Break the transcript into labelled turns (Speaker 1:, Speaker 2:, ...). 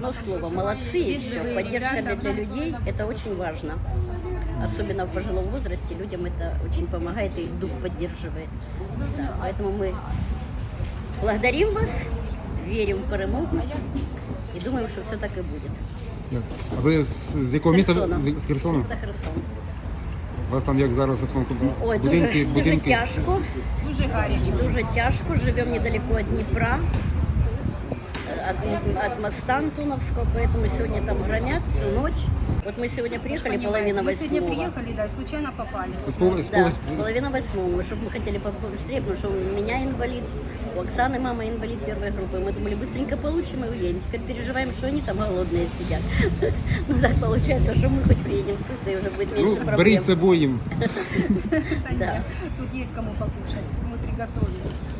Speaker 1: одно слово, молодцы и все. Поддержка для людей – это очень важно. Особенно в пожилом возрасте людям это очень помогает и их дух поддерживает. Да, поэтому мы благодарим вас, верим в перемогу и думаем, что все так и будет.
Speaker 2: А ви з якого міста?
Speaker 1: Херсона.
Speaker 2: З Херсону?
Speaker 1: Місто Херсон.
Speaker 2: У вас там як зараз обстановка?
Speaker 1: Ой,
Speaker 2: Будинки,
Speaker 1: дуже тяжко.
Speaker 3: Дуже гаряче.
Speaker 1: Дуже тяжко. Живем недалеко от Днепра, от моста Антоновского, поэтому сегодня там громят всю ночь. Вот мы сегодня приехали, половина
Speaker 3: Мы сегодня
Speaker 1: восьмого.
Speaker 3: приехали, да, и случайно попали.
Speaker 1: Да, половина восьмого, чтобы мы хотели побыстрее, потому что у меня инвалид, у Оксаны мама инвалид первой группы. Мы думали, быстренько получим и уедем. Теперь переживаем, что они там голодные сидят. Ну так получается, что мы хоть приедем сытые, уже будет меньше проблем.
Speaker 2: Беріть з собою їм.
Speaker 3: Да. Тут есть кому покушать. Мы приготовили.